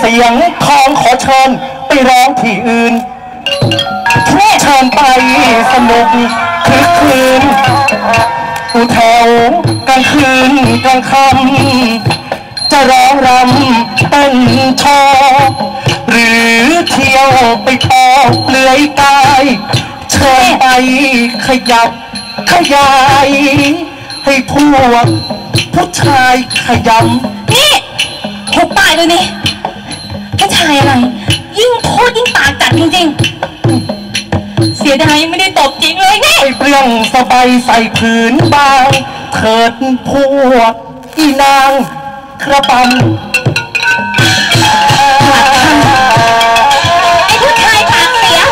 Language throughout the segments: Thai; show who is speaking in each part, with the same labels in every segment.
Speaker 1: สียงทองขอเชิญไปร้องที่อื่นเชิญไปสนุกคึกคืนอูแถวกลางคืนกลางค่ำจะร้องรำเต้นโชว์หรือเที่ยวไปออกเปลือยกายเชิญไปขยับขยายให้พวกผู้ชายขยำ
Speaker 2: นี่หุบปากเลยนี่ผู้ชายอะไรยิ่งพูดยิ่งปากจัดจริงๆเสียดายยังไม่ได้ตบจริงเลยนี่
Speaker 1: เปลี่ยงสบายใส่ผืนบางเถิดพวกอีนางกระปัน
Speaker 2: ไอ้ผู้ชายปากเสีย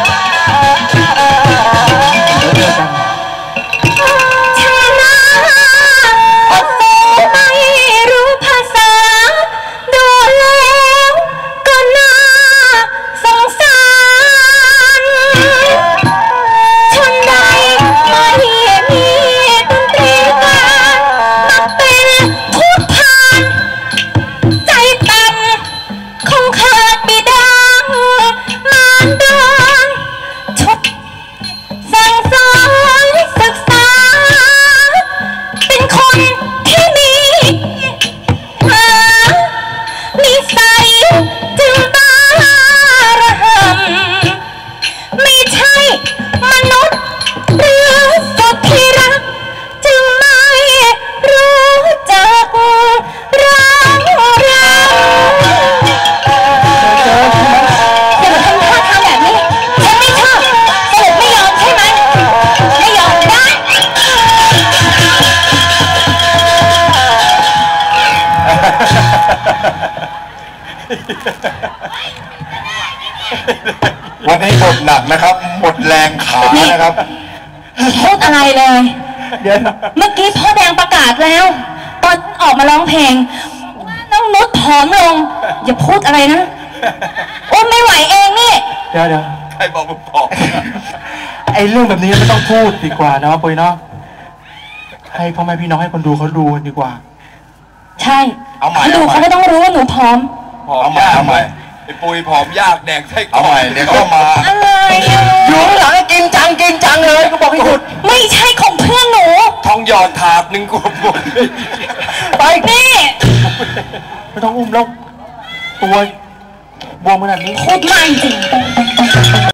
Speaker 3: วันนี้หมดหนักนะครับหมดแรงขานะครับ
Speaker 2: พูดอะไรเลยเดี๋ยวเมื่อกี้พ่อแดงประกาศแล้วตอนออกมาร้องเพลงน้องนุชผอมลงอย่าพูดอะไรนะโอ้ไม่ไหวเองนี่
Speaker 1: เดี๋ยว
Speaker 3: ใครบอกมึงผอม
Speaker 1: ไอ้เรื่องแบบนี้ไม่ต้องพูดดีกว่าเนาะปุ้ยเนาะให้พ่อแม่พี่น้องให้คนดูเขาดูกันดีกว่า
Speaker 2: ใช่เขาดูเขาไม่ต้องรู้ว่าหนูผอม
Speaker 3: ยากไหมไอ้ปุยผอมยากแดงไส้กรอกเดี๋ยวก็มา
Speaker 2: อะไร
Speaker 1: อยู่หลังกินจังเลยก็บอกให้หยุด
Speaker 2: ไม่ใช่ของเพื่อนหนู
Speaker 3: ทองหยอดถาดหนึ่งกบ
Speaker 1: ไป
Speaker 2: นี่
Speaker 1: ไม่ต้องอุ้มแล้วตัวบวมขนาดนี้
Speaker 2: พูดไม่จริง